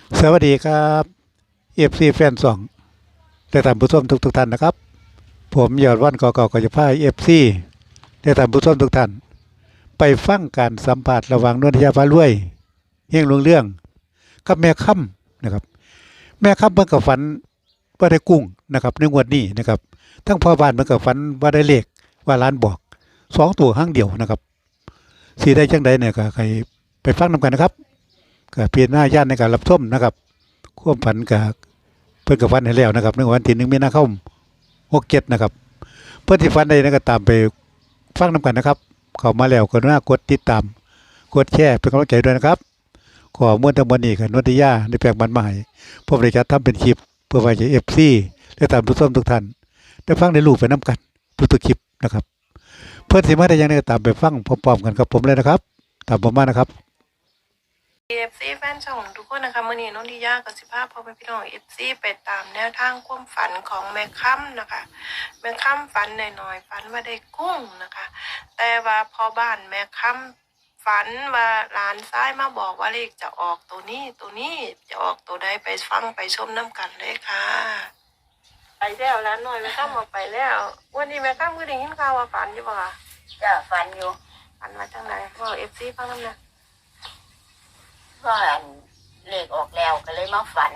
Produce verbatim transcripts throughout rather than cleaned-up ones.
สวัสดีครับเอฟซีแฟนสองและท่านผู้ชมทุกทุกท่านนะครับผมยอดวันกอกอกจะพาเอฟซีและท่านผู้ชมทุกท่านไปฟังการสัมภาษณ์ระหว่างนวลธิยาฟ้ารวยเฮงหลวงเรื่องกับแม่ค่ำนะครับแม่ค่ำเพิ่นก็ฝันว่าได้กุ้งนะครับในงวดนี้นะครับทั้งพ่อบ้านเพิ่นก็ฝันว่าได้เลขว่าร้านบอกสองตัวครั้งเดียวนะครับสีได้จังใดเนี่ยก็ใครไปฟังนำกันนะครับก็เปลี่ยนหน้าย่านในการรับชมนะครับความฝันกับเพิ่นก็ฝันให้แล้วนะครับในวันที่หนึ่งมีนาคมหกเจ็ดนะครับเพื่อนที่ฝันได้นะก็ตามไปฟังนำกันนะครับเข้ามาแล้วก็น่ากดติดตามกดแชร์เป็นกำลังใจด้วยนะครับขอมวลทั้งมวลนี้กับนวติยาในแปลงบันมาให้ผมได้จัดทำเป็นคลิปเพื่อไว้ให้ เอฟ ซี และท่านผู้ชมทุกท่านได้ฟังได้รู้ไปนํกันทุกๆคลิปนะครับเพื่อนสิมาได้ยังไงก็ตามไปฟังพร้อมๆกันกับผมเลยนะครับตามผมมานะครับเอฟซีแฟนช่องทุกคนนะคะมื่อนี้น้องทิยากับสิภาพพ่อแม่พี่น้องเอฟซีไปตามแนวทางความฝันของแม่ค่ำนะคะแม่ค่ำฝันหน่อยๆฝันว่าได้กุ้งนะคะ แต่ว่าพอบ้านแม่ค่ำฝันว่าหลานซ้ายมาบอกว่าเลขจะออกตัวนี้ตัวนี้จะออกตัวใดไปฟังไปชมน้ำกันเลยค่ะไปแล้วร้านหน่อยแม่ค่ำออกไปแล้ววันนี้แม่ค่ำก็ได้ยินข่าวว่าฝันอยู่ป่ะคะจ้ะฝันอยู่ฝันมาจังไหนพ่อเอฟซีฟังน้ำนะก็อันเลขออกแล้วก็เลยมาฝัน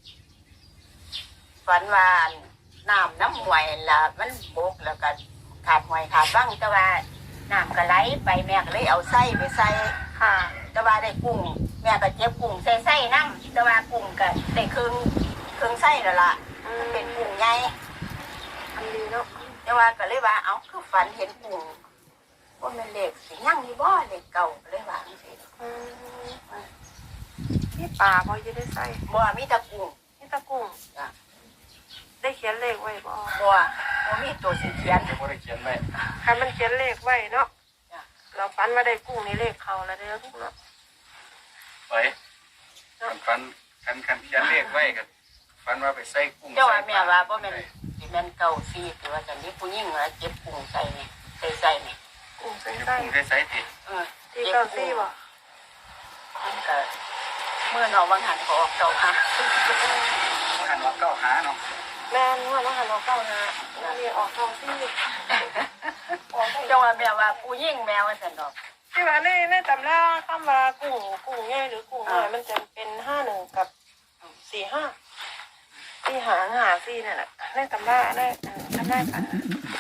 ฝันว่าน้ำน้ำหวยละมันบกแล้วก็ขาดหวยขาดบ้างแต่ว่าน้ำก็ไหลไปแม่ก็เลยเอาไส้ไปใส่ค่ะแต่ว่าได้กุ้งแม่ก็เจ็บกุ้งใส่ไส้น้ำแต่ว่ากุ้งก็ได้ครึ่งครึ่งไส้แล้วล่ะมันเป็นกุ้งใหญ่อันดีเนาะแต่ว่าก็เลยว่าเอ้าคือฝันเห็นกุ้งว่ามันเลขสิยั่งยี่บ่เลขเก่าก็เลยว่าจังซี่อืมนี่ป่าพอจะได้ใส่บ่มีแตะกุ้งนี่ตะกุ้งจ้ะได้เขียนเลขไว้บ่บัวบัวมีตัวสีเขียนเดี๋ยวพ่อได้เขียนไว้ใครมันเขียนเลขไว้เนาะจ้ะเราฝันว่าได้กุ้งนี่เลขเขาแล้วเด้อทุกเนาะไว้คันฟันคันคันเขียนเลขไว้กันฟันว่าไปใส่กุ้งเจ้าว่าใส่แม่ว่าบ่แม่นสิแม่นเก่าซีหรือว่าจังนี้ผู้หญิงว่าเจ็บกุ้งใส่นี่ใส่ใส่นี่กุ้งใส่เดี๋ยวไส้กุ้งได้ใส่ติเออที่เก้าซี่บ่มันก็เมื่อน้องวังหันก็ออกเจ้าค่ะหันว่าเก้าหาเนาะแม่นว่าน้องหันเราเก้านะเรียกออกเก้าซี่ออกเจ้าว่าแม่ว่าผู้หญิงแม่ว่าซั่นดอกที่ว่าในในตำราคำว่ากุ้งกุ้งใหญ่หรือกุ้งน้อยมันจะเป็นห้าหนึ่งกับสี่ห้าที่หางหาซี่นั่นแหละในตำราได้ทำได้ฝัน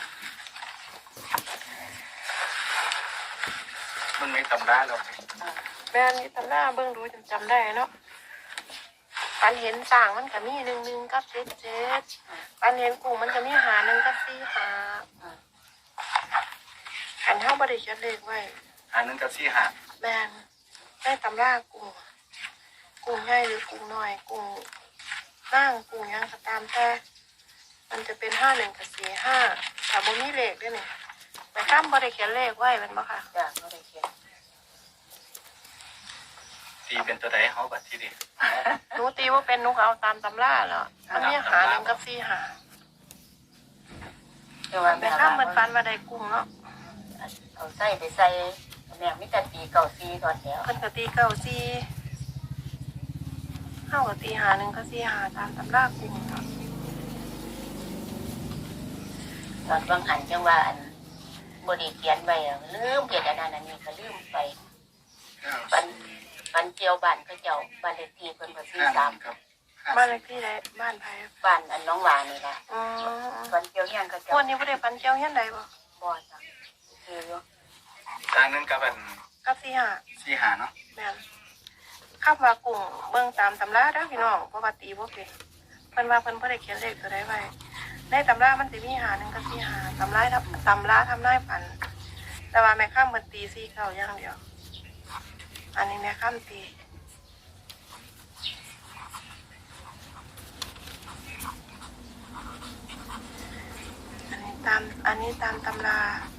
มันไม่ตำราเราแม่นี่ตำหน้าเบิ่งดูจำจำได้เนาะปันเห็นสร้างมันก็มีหนึ่งหนึ่งกับเจ็ดเจ็ดปันเห็นกุ้งมันก็มีหาหนึ่งกับสี่หาขันเท่าบริเขียนเลขไว้หาหนึ่งกับสี่หาแม่นได้ตำรากุ้งกุ้งใหญ่หรือกุ้งน้อยกุ้งนั่งกุ้งยังก็ตามแต่มันจะเป็นห้าหนึ่งกับสี่ห้าแต่บ่มีเลขด้วยนี่แต่ข้ามบริเขียนเลขไว้เป็นบ่ค่ะจ้ะบ่ได้เขียนตีเป็นตัวใดเขาบัดที่ดิหนูตีว่าเป็นหนูก็เอาตามตำราแล้วมันมีหาหนึ่งกับสี่หาเจ้าว่าแต่แม่ข้าว่ามมันฟันมาได้กุ้งเนาะเอาใส่ไปใส่แม่มีแต่ตีเก่าซีก่อนแล้วเพิ่นก็ตีเก้าสี่เข้ากับตีหาหนึ่งก็สี่หาตามตำรากุ้งเนาะตอนวังหันจังว่าอันบ่ได้เขียนไว้อะลืมเขียนอันนั้นอันนี้ก็ลืมไปปันปันเจียวบ้านเขาเจ้าบ้านเลขที่เพิ่นก็สี่ห้าสามครับบ้านเลขที่ไหนบ้านไผบ้านอันน้องหวานนี่ล่ะอืมปันเจียวเฮียนเขาเจ้าวันนี้บ่ได้ฟันเจียวเฮียนใดบ่บ่จ้ะคืออยู่ทางนึงกับเป็นกับสี่หาสี่หาเนาะแม่นข้ามว่ากุ้งเบิ่งตามตำราเด้อพี่น้องเพราะว่าตีบ่เป็นเพิ่นว่าเพิ่นบ่ได้เขียนเลขตัวใดไว้ในตำรามันสิมีหาหนึ่งกับสี่หาตำราทำตำราทำนายฝัน แต่ว่าแม่ข้ามเพิ่นตีสี่เก้าอย่างเดียว อันนี้แม่ข้ามตีอันนี้ตามอันนี้ตามตำรา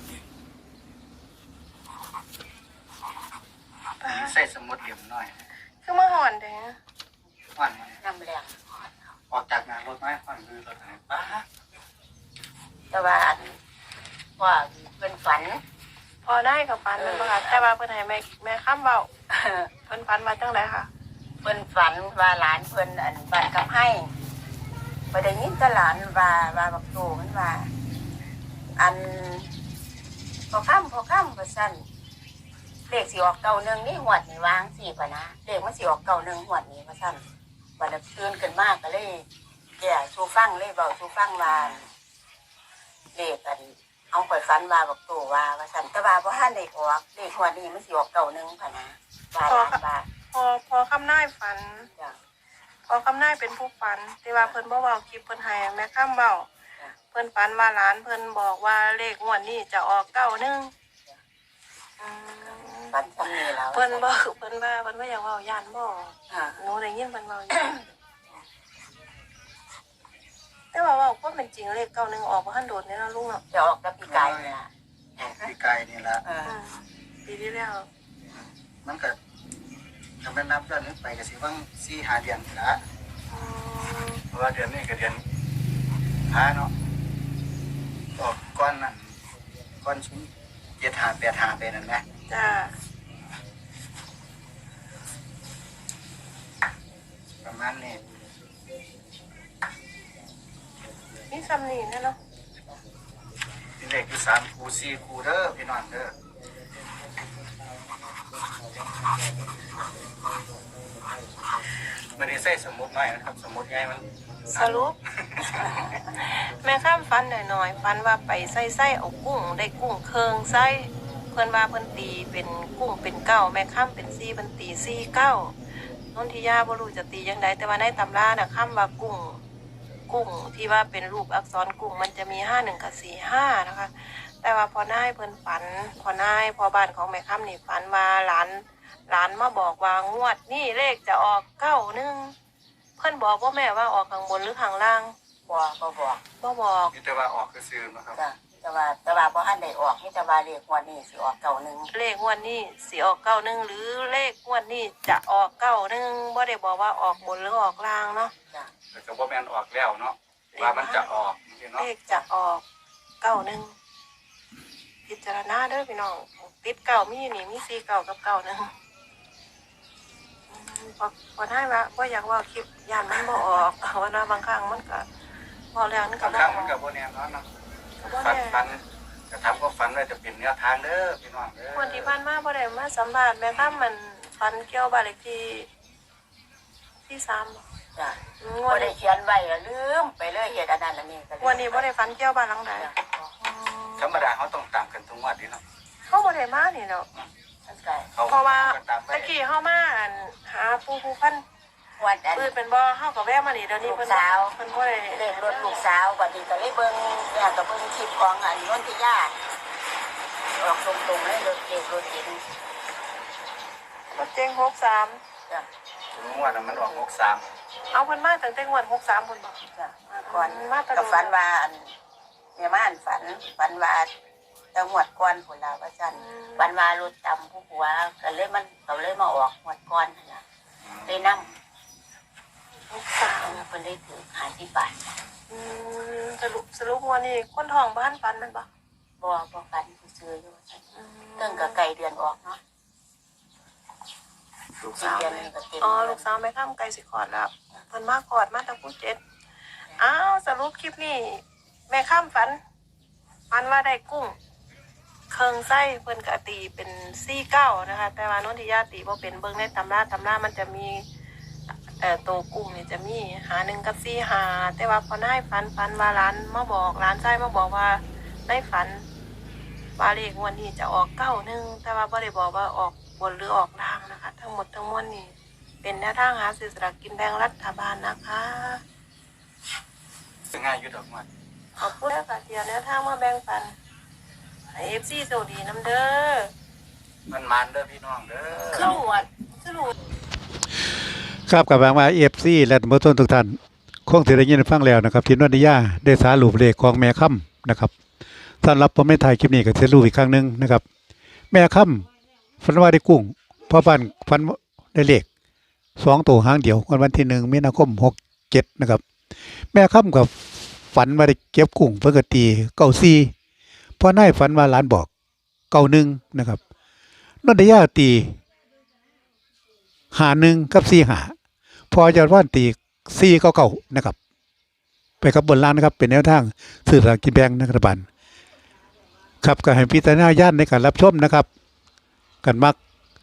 ป้าตีใส่สมุดเหลี่ยมหน่อยคือมาห่อนเด้อฟันมันน้ำแรงออกจากงานรถไม้ฟันคือรถไหนป้าแต่ว่าอันว่าเพิ่นฝันพอได้กับปันแมันบ่ค่ะแต่ว่าเพิ่นให้แม่แม่ข้ามเว้าเพิ่นฝันมาจังไดค่ะเพิ่นฝันว่าหลานเพิ่นอันบ้านคำให้บ่ได้ยินแต่หลานว่าว่าบักโตมันว่าอันพอค่ำพอค่ำว่าซั่นเลขสิออกเก้าหนึ่งนี่หวดนี่วางสิป่ะนะเลขมันสิออกเก้าหนึ่งหวดนี่ว่าซั่นบัดนั้นตื่นขึ้นมากก็เลยแก่สู่ฟังเลยเว้าสู่ฟังว่าเลขอันเอาไปฝันว่าบักโตว่าว่าซั่นแต่ว่าบ่ทันได้ออกเลขหวดนี้มันสิออกเก้าหนึ่งป่ะนะว่าหลานว่าพอพอคำนายฝันจ้ะพอคำนายเป็นผู้ฝันแต่ว่าเพิ่นบ่เว้าคลิปเพิ่นให้แม่ค่ำเว้าเพิ่นฝันว่าหลานเพิ่นบอกว่าเลขงวดนี้จะออกเก้าหนึ่งอืมฝันซ้ำนี่แล้วเพิ่นบ่เพิ่นว่าเพิ่นบ่อยากเว้าย่านบ่ค่ะหนูได้ยินเพิ่นเว้าอยู่แต่ว่าเว้าความเป็นจริงเลขเก้าหนึ่งออกบ่ทันโดดนี่เนาะลุงเนาะจะออกกับพี่กายนี่ล่ะพี่ไก่นี่ละเอออืมปีที่แล้วมันก็ทำให้นับย้อนนึกไปก็สิว่างสี่หาเดือนนี่ละอืมเพราะว่าเดือนนี้ก็เดือนห้าเนาะออกก้อนนั่นก้อนชิ้นเจ็ดหาแปดหาไปนั่นนะจ้าประมาณนี้นี่ซ้ำนี่แน่เนาะที่เลขที่สามคูสี่คูเด้อพี่น้องเด้อไม่ได้ใส่สมุดน้อยนะครับสมุดใหญ่มันสรุป แม่ข้ามฟันหน่อยๆฟันว่าไปไส้ไส้เอากุ้งได้กุ้งเคืองไส้เพื่อนว่าเพื่อนตีเป็นกุ้งเป็นเก้าแม่ข้ามเป็นซี่เพื่อนตีซี่เก้านนทิยาบ่รู้จะตียังไงแต่ว่าในตำราน่ะข้ามว่ากุ้งกุ้งที่ว่าเป็นรูปอักษรกุ้งมันจะมีห้าหนึ่งกับสี่ห้านะคะ แต่ว่าพอนายเพื่อนฝันพอนายพอบ้านของแม่ข้ามนี่ฝันว่าหลานหลานมาบอกว่างวดนี่เลขจะออกเก้าหนึ่งเพื่อนบอกว่าแม่ว่าออกข้างบนหรือข้างล่างบ่บ่บอกบ่บอกนี่แต่ว่าออกคือซื้อนะครับจ้ะแต่ว่าแต่ว่าบ่ทันได้ออกนี่แต่ว่าเลขงวดนี้สิออกเก้าหนึ่งเลขงวดนี้สิออกเก้าหนึ่งหรือเลขงวดนี้จะออกเก้าหนึ่งบ่ได้บอกว่าออกบนหรือออกล่างเนาะจ้ะแต่ก็บ่แม่นออกแล้วเนาะว่ามันจะออกจริงๆเนาะเลขจะออกเก้าหนึ่งพิจารณาเด้อพี่น้องติดเก้ามีนี่มีสี่เก้ากับเก้าหนึ่งอืมพอพอได้ว่าบ่อยากเว่าคลิปยานมันบ่ออกว่านะบางครั้งมันก็พอแล้วมันก็บางบ่คอรั้อง กมันก็บ่แน่นอนเนาะบ่ฝันแน่ฝันกระทำก็ฝันไว้จะเป็นแนวทางเด้อพี่น้องเด้อวันที่ผ่านมาบ่ได้มาสัมภาษณ์แม่ค้ามันฟันเกี่ยวบ้านเลขที่ที่สามบ่จ้ะอืมบ่วันได้นี้เขียนไว้อะลืมไปเลยเฮ็ดอันนั้นอันนี้ก็เลยวันนี้บ่ได้ฟันเกี่ยวบ้านหลังใดจ้ะอืมธรรมดาเขาต้องตามกันทุกงวดนี่เนาะเขาบ่ได้มานี่เนาะมันก็เขาเพราะว่าก็ตามไปตะกี้เฮามาอั่นหาผู้ผู้พันงวดอันปืนเป็นบ่เฮาก็แวะมานี่เดี๋ยวนี้เพิ่นลูกสาวเพิ่นบ่ได้เลขรถลูกสาวบัดนี้ก็เลยเบิ่งเนี่ยก็เบิ่งคลิปของอันนนทิยาออกตรงๆเลยรถเลขรถเก๋งรถเจ๊งหกสามจ้ะงวดนั้นมันออกหกสามเอาเพิ่นมาตั้งแต่งวดหกสามเพิ่นบ่จ้ะก่อนมาแตะก็ฝันว่าอันแม่ม่านฝันฝันว่าแตะหวดก่อนพุ่นล่ะว่าซั่นฝันว่ารถตำผู้ผัวก็เลยมันก็เลยมาออกหวดก่อนนั่นล่ะเลยนำหกสามเพิ่นเลยถือหาที่บาทอืมสรุปสรุปงวดนี้คนท้องบ้านฟันมันบ่บ่บ่ฝันผู้ซื้ออยู่ว่าซั่นอืมเพิ่งก็ไก่เดือนออกเนาะลูกสี่สาวเดือนแม่นึงก็เต็มอ๋อลูกสาวแม่ข้ามไกลสิคลอดแล้วเพิ่นมาคลอดมาตั้งผู้เจ็ดอ้าวสรุปคลิปนี้แม่ข้ามฝันฝันว่าได้กุ้งเคิงไส้เพิ่นก็ตีเป็นสี่เก้านะคะ แต่ว่านนทิยาตีบ่เป็นเบิ่งในตำราตำรามันจะมีเอ่อตัวกุ้งนี่จะมีหาหนึ่งกับสี่หาแต่ว่าพอนายฝันฝันว่าร้านมาบอกร้านไส้มาบอกว่าได้ฝันว่าเลขงวันนี้จะออกเก้าหนึ่งแต่ว่าบ่ได้บอกว่าออกบนหรือออกล่างนะคะ ทั้งหมดทั้งมวลนี่เป็นแนวทางหาซื้อสลากกินแบ่งรัฐบาลนะคะง่ายอยู่ดอกงวดขอบคุณค่ะเทียแนวทางมาแบ่งปันให้เอฟซีโชคดีน้ำเด้อมันมันเด้อพี่น้องเด้อขึ้นหวดขึ้นหวดครับกับแบงมาเอฟซีและท่านผู้ชมทุกท่านคงสิได้ยินได้ฟังแล้วนะครับที่นวนิยาได้สารุปเลขของแม่ค่ำนะครับสำหรับผมไม่ถ่ายคลิปนี้ก็จะรู้อีกครั้งหนึงนะครับ แม่ค่ำฝันว่าได้กุ้งพ่อบ้านฝันว่าได้เลขสองตัวหางเดียววันวันที่หนึ่งมีนาคมหกเจ็ดนะครับ แม่ค่ำกับฝันว่าได้เก็บกุ้งเพื่อกตีเก้าซีพ่อนายฝันว่าหลานบอกเก้าหนึ่งนะครับนนทิยาตีหาหนึ่งกับสี่หาพอยอดว่านตีสี่เก้าเก้านะครับ ไปกับบนล่างนะครับ เป็นแนวทางสื่อสลารกินแบ่งรัฐบาลครับก็ให้พิจารณาญาณในการรับชมนะครับกันมัก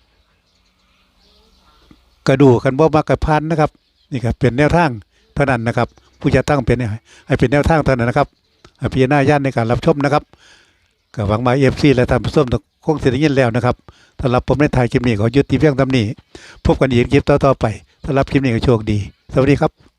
กระดูกันบ่มักกระพันนะครับ นี่ครับเป็นแนวทางเท่านั้นนะครับ ผู้จะตั้งเป็นให้เป็นแนวทางเท่านั้นนะครับให้พิจารณาญาณในการรับชมนะครับก็หวังมาเอฟซีและท่านผู้ชมคงเสร็จยินแล้วนะครับสำหรับผมในถ่ายคลิปนี้ขอยุติเพียงเท่านี้พบกันอีกคลิปต่อๆไปสำหรับคลิปนี้ก็โชคดีสวัสดีครับ